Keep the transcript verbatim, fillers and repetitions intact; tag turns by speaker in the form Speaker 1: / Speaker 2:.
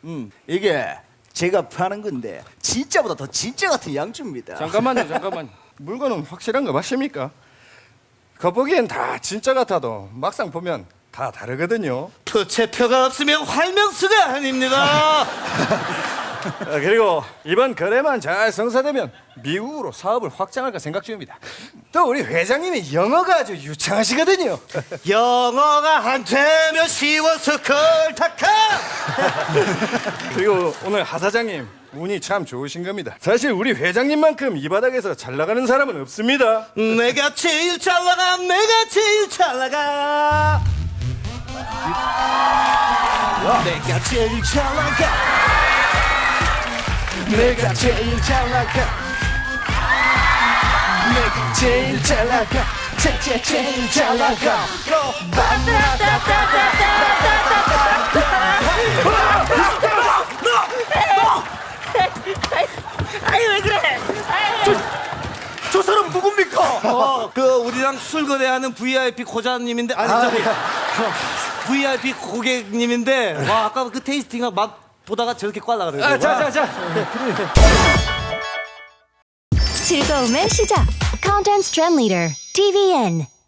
Speaker 1: 음, 이게 제가 파는 건데 진짜보다 더 진짜 같은 양주입니다.
Speaker 2: 잠깐만요, 잠깐만. 물건은 확실한 거 맞습니까? 겉보기엔 다 진짜 같아도 막상 보면 다 다르거든요.
Speaker 3: 표체표가 없으면 활명수가 아닙니다.
Speaker 2: 아, 그리고 이번 거래만 잘 성사되면 미국으로 사업을 확장할까 생각 중입니다. 또 우리 회장님이 영어가 아주 유창하시거든요.
Speaker 3: 영어가 안 되면 쉬워서 걸타카.
Speaker 2: 그리고 오늘 하 사장님 운이 참 좋으신 겁니다. 사실 우리 회장님만큼 이 바닥에서 잘 나가는 사람은 없습니다.
Speaker 3: 내가 제일 잘 나가, 내가 제일 잘 나가. 내가 제일 잘 나가.
Speaker 1: 내가 제일 잘 나가. 내가 제일 잘 나가. 제, 제, 제일 잘 나가.
Speaker 4: 아이 왜 그래?
Speaker 3: 저 사람 누굽니까? 어, 그 우리랑 술 거래하는 브이아이피 고자님인데 아니 저기 브이아이피 고객님인데 와 아까 그 테이스팅 맛 보다가 저렇게 꽈라 그래요.
Speaker 2: 아, 자, 자, 자.
Speaker 5: 즐거움의 시작. Content Trend Leader 티비엔